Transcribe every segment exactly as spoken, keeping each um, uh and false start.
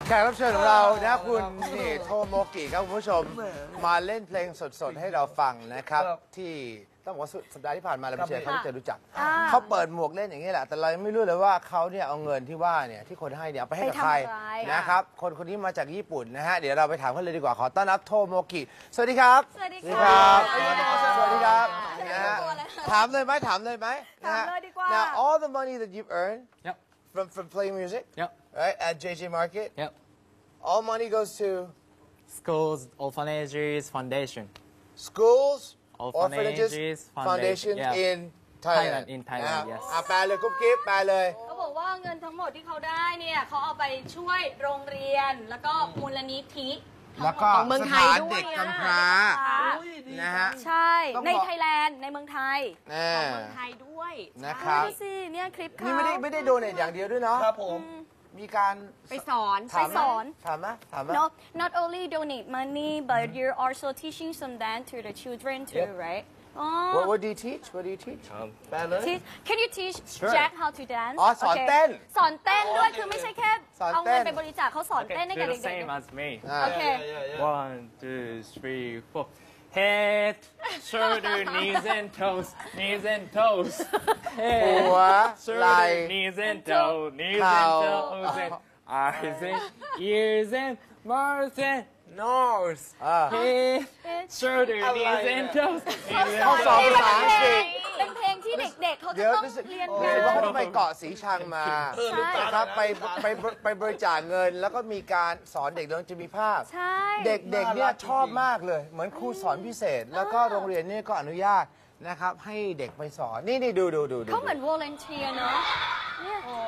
แขกรับเชิญของเรานะคุณนี่โทโมกิครับคุณผู้ชมมาเล่นเพลงสดๆให้เราฟังนะครับที่ต้องบอกว่าสัปดาห์ที่ผ่านมาเราไปเจอเขาจะรู้จักเขาเปิดหมวกเล่นอย่างนี้แหละแต่เราไม่รู้เลยว่าเขาเนี่ยเอาเงินที่ว่าเนี่ยที่คนให้เนี่ยเอาไปให้กับใครนะครับคนคนนี้มาจากญี่ปุ่นนะฮะเดี๋ยวเราไปถามเขาเลยดีกว่าขอต้อนรับโทโมกิสวัสดีครับสวัสดีครับสวัสดีครับนะฮะถามเลยไหมถามเลยไหมนะฮะ Now all the money that you've earned from from playing music right at J J Market all money goes to schools, orphanages, foundation. schools, orphanages, foundation in Thailand. In Thailand, yes. อ่ะแปลเลยกุ๊บกิ๊บแปลเลยเขาบอกว่าเงินทั้งหมดที่เขาได้เนี่ยเขาเอาไปช่วยโรงเรียนแล้วก็มูลนิธิแล้วก็สถานเด็กกำพร้านะฮะใช่ในไทยแลนด์ในเมืองไทยของเมืองไทยด้วยนะครับดูสิเนี่ยคลิปเขานี่ไม่ได้ไม่ได้โดเนทอย่างเดียวด้วยเนาะครับผมมีการไปสอนไปสอนถามไหมถามไหม No not only donate money but you're also teaching some dance to the children too right What what do you teach What do you teach แปลเลย Can you teach Jack how to dance อ๋อสอนเต้นสอนเต้นด้วยคือไม่ใช่แค่เอาเงินไปบริจาคเขาสอนเต้นให้กับเด็กๆ Same as me. โอเค One, two, three, four. Head, shoulder, knees and toes, knees and toes. หัว Head, ไหล่ shoulder, knees and toes, knees and toes, and eyes and ears and mouth and nose. Head, shoulder, knees and toes. เขาสอนภาษาอังกฤษเป็นเพลงที่เด็กๆเขาจะต้องเรียนรู้สึกว่าเขาไปเกาะสีชังมานะครับไปไปไปบริจาคเงินแล้วก็มีการสอนเด็กเรื่องจะมีภาพเด็กๆเนี่ยชอบมากเลยเหมือนครูสอนพิเศษแล้วก็โรงเรียนนี่ก็อนุญาตนะครับให้เด็กไปสอนนี่นี่ดูดูดูเขาเหมือน volunteer เนาะเนี่ยโอ้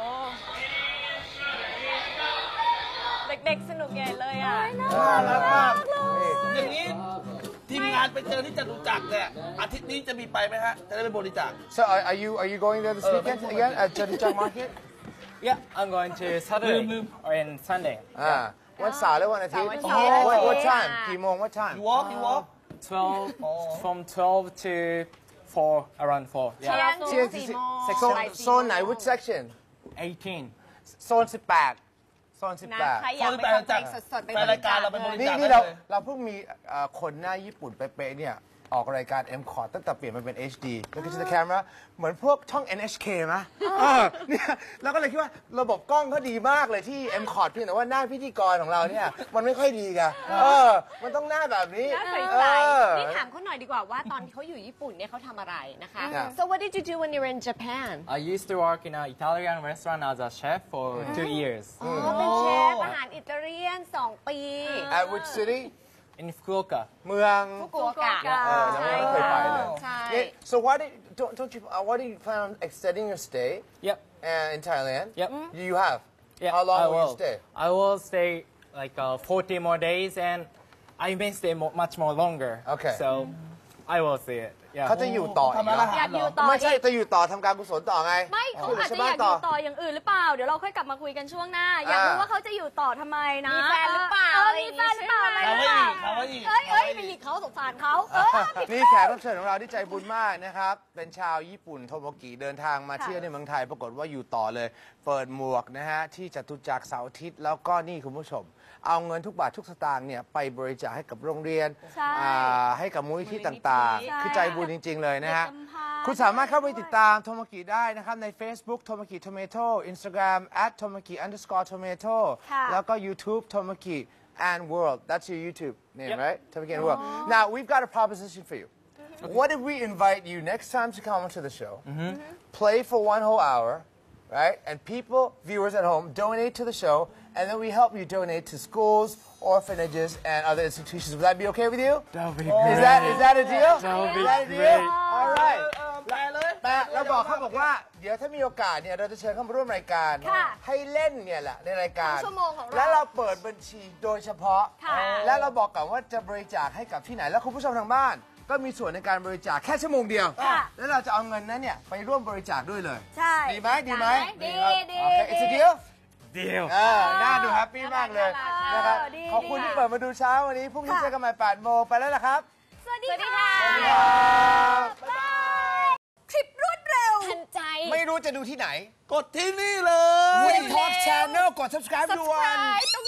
เด็กๆสนุกใหญ่เลยอ่ะน่ารักมากอย่างนี้ทีมงานไปเจอที่จตุจักรเนี่ยอาทิตย์นี้จะมีไปไหมฮะจะได้ไปบริจาค So are you are you going there this weekend again at Jatuchak Market Yeah I'm going to Saturday or in Sunday อ่าวันเสาร์และวันอาทิตย์ What what time กี่โมง What time You walk You walk twelve from twelve to four around four Yeah เที่ยงสี่โซนโซนไหน Which section eighteen โซนสิบแปดโซนสิบแปดใครอยากไปฟังเพลงสดๆไปบริจาคเราไปบริจาคนี่เราเราเพิ่งมีคนหน้าญี่ปุ่นเป๊ะๆเนี่ยออกรายการ M คอร์ดตั้งแต่เปลี่ยนมาเป็น เอช ดี แล้วก็จะ camera เหมือนพวกช่อง เอ็น เอช เค ไหมเนี่ยเราก็เลยคิดว่าระบบกล้องเขาดีมากเลยที่ M คอร์ดเพียงแต่ว่าหน้าพิธีกรของเราเนี่ยมันไม่ค่อยดีกันเออมันต้องหน้าแบบนี้น่าใสๆนี่ถามเขาหน่อยดีกว่าว่าตอนเขาอยู่ญี่ปุ่นเนี่ยเขาทำอะไรนะคะ So what did you do when you were in Japan I used to work in an Italian restaurant as a chef for two years อ๋อเป็นเชฟอาหารอิตาเลียนสองปี At which city in Fukuoka เมืองฟุกุโอกะใช่เคยไปเลยใช่ So why did don't don't you why do you plan on extending your stay Yep and in Thailand Yep You have Yeah How long I will will you stay I will stay like uh, forty more days and I may stay mo much more longer Okay so I will see it เขาจะอยู่ต่ออีกอยากอยู่ต่อไม่ใช่จะอยู่ต่อทำการกุศลต่อไงไม่เขาอาจจะอยากอยู่ต่ออย่างอื่นหรือเปล่าเดี๋ยวเราค่อยกลับมาคุยกันช่วงหน้าอยากรู้ว่าเขาจะอยู่ต่อทำไมนะมีแฟนหรือเปล่ามีแฟนหรือเปล่าอะไรหรือเปล่าเอ้ยเอ้ยไปหยิกเขาสงสารเขานี่แขกรับเชิญของเราที่ใจบุญมากนะครับเป็นชาวญี่ปุ่นโทโมกิเดินทางมาเที่ยวในเมืองไทยปรากฏว่าอยู่ต่อเลยเปิดหมวกนะฮะที่จตุจักรเสาร์อาทิตย์แล้วก็นี่คุณผู้ชมเอาเงินทุกบาททุกสตางค์เนี่ยไปบริจาคให้กับโรงเรียนให้กับมูลนิธิต่างๆคือใจบุญจริงๆเลยนะฮะคุณสามารถเข้าไปติดตามโทโมกิได้นะครับใน Facebook โทโมกิ Tomato Instagram at Tomoki underscore Tomato แล้วก็ YouTube Tomoki and World that's your YouTube name right Tomoki and World now we've got a proposition for you what if we invite you next time to come onto the show play for one whole hour right and people viewers at home donate to the show and then we help you donate to schools orphanages and other institutions would that be okay with you that would be great is that is that a deal that would be great all right แปลเลยแปลเราบอกเขาบอกว่าเดี๋ยวถ้ามีโอกาสเนี่ยเราจะเชิญเข้ามาร่วมรายการให้เล่นเนี่ยแหละในรายการแล้วเราเปิดบัญชีโดยเฉพาะแล้วเราบอกก่อนว่าจะบริจาคให้กับที่ไหนแล้วคุณผู้ชมทางบ้านก็มีส่วนในการบริจาคแค่ชั่วโมงเดียวแล้วเราจะเอาเงินนั้นเนี่ยไปร่วมบริจาคด้วยเลยใช่ดีไหมดีไหมดีดีโอเค it's a deal deal เออน่าดูแฮปปี้มากเลยนะครับขอบคุณที่เปิดมาดูเช้าวันนี้พรุ่งนี้เจอกันใหม่แปดโมงไปแล้วล่ะครับสวัสดีค่ะสวัสดีครับคลิปรวดเร็วทันใจไม่รู้จะดูที่ไหนกดที่นี่เลยวี Talk Channel กด subscribe ด่วน subscribe ตรงนี้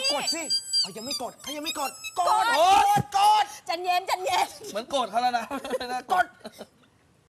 กดสิเขายังไม่กดเขายังไม่กด กดกดกดจันเย็นจันเย็นเหมือนโกรธเขาแล้วนะ กด